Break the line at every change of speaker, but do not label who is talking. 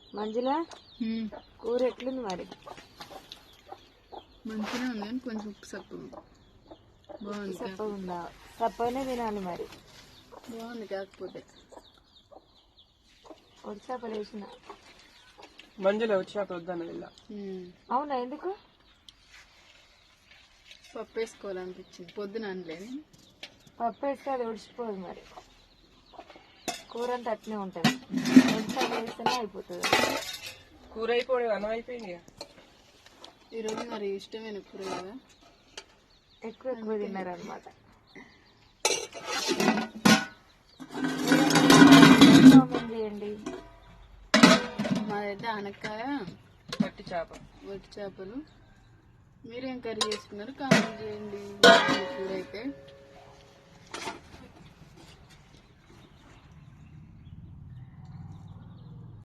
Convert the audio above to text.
మంజుల కూర ఎట్లుంది మరి?
మంచిగా ఉంది కానీ కొంచెం ఉప్పు సప్పగా బాగుంది.
సప్పగా ఉందా? సప్పగానే తినాలి మరి.
బాగుంది కాకపోతే
ఒడి చేపలు వేసిన.
మంజుల వచ్చాక వద్దన్నది ఇలా.
అవునా, ఎందుకు?
పప్పు వేసుకోవాలనిపించింది, పొద్దున అనలేదు.
పప్పు వేస్తే అది ఒడిచిపోదు మరి, కూర అంతా అట్నే ఉంటుంది. ఒడి చేపలు వేస్తేనే అయిపోతుంది.
కూర అయిపోయి అన్నం అయిపోయింది.
ఈరోజు మరి ఇష్టమైన కూర కదా,
ఎక్కువ తిన్నారనమాట. చేయండి.
మాదైతే ఆనక్కాయ
వట్టి చేప,
వట్టి చేపలు. మీరేం కర్రీ చేసుకున్నారు కామెంట్ చేయండి. కూర అయితే